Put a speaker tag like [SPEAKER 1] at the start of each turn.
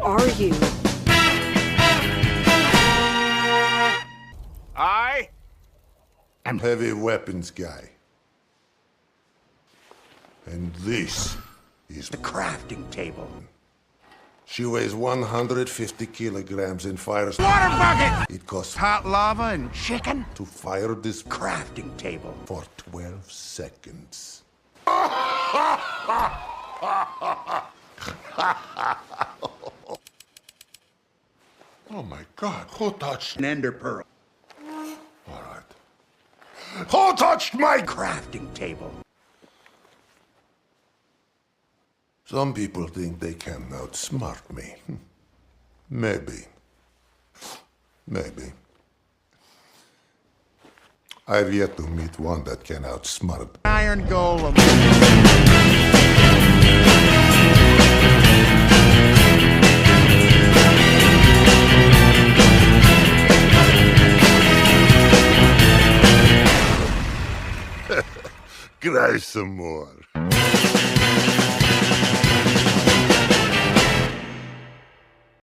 [SPEAKER 1] are you?
[SPEAKER 2] I
[SPEAKER 3] am heavy weapons guy. And this is
[SPEAKER 2] the crafting table.
[SPEAKER 3] She weighs 150 kilograms and fires
[SPEAKER 2] Water bucket!
[SPEAKER 3] It costs
[SPEAKER 2] Hot lava and chicken?
[SPEAKER 3] to fire this
[SPEAKER 2] Crafting table.
[SPEAKER 3] for 12 seconds. Oh my God, who touched
[SPEAKER 2] An ender pearl.
[SPEAKER 3] All right. Who touched my
[SPEAKER 2] Crafting table.
[SPEAKER 3] Some people think they can outsmart me. Maybe. Maybe. I've yet to meet one that can outsmart.
[SPEAKER 2] Iron golem.
[SPEAKER 3] Cry some more.